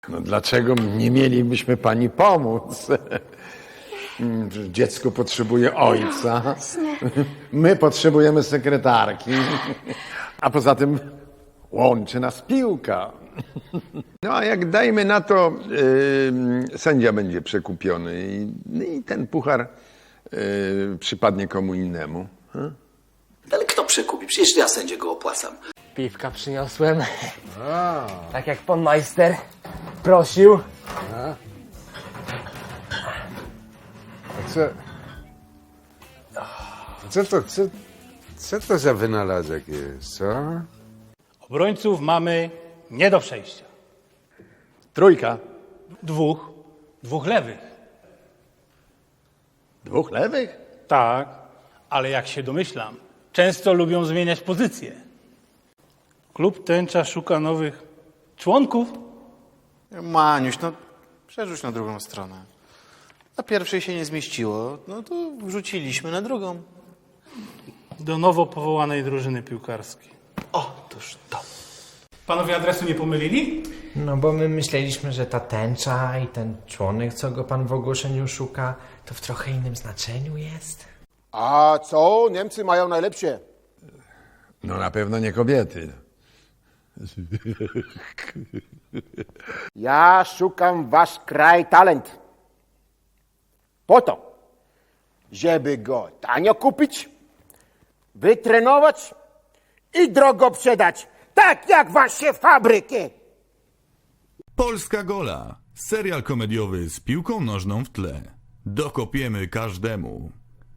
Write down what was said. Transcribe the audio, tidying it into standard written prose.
No dlaczego nie mielibyśmy pani pomóc? Dziecko potrzebuje ojca. My potrzebujemy sekretarki. A poza tym łączy nas piłka. No a jak dajmy na to, sędzia będzie przekupiony i ten puchar przypadnie komu innemu. Ale kto przekupi? Przecież ja sędzie go opłacam. Piwka przyniosłem. Tak jak pan majster prosił. Co to za wynalazek jest, co? Obrońców mamy nie do przejścia. Trójka. Dwóch lewych. Dwóch lewych? Tak, ale jak się domyślam, często lubią zmieniać pozycje. Klub Tęcza szuka nowych członków. Maniuś, no przerzuć na drugą stronę. Na pierwszej się nie zmieściło, no to wrzuciliśmy na drugą. Do nowo powołanej drużyny piłkarskiej. Otóż to. Panowie adresu nie pomylili? No bo my myśleliśmy, że ta tęcza i ten członek, co go pan w ogłoszeniu szuka, to w trochę innym znaczeniu jest. A co Niemcy mają najlepsze? No na pewno nie kobiety. Ja szukam wasz kraj talent. Po to, żeby go tanio kupić, wytrenować i drogo sprzedać, tak jak wasze fabryki. Polska Gola. Serial komediowy z piłką nożną w tle. Dokopiemy każdemu.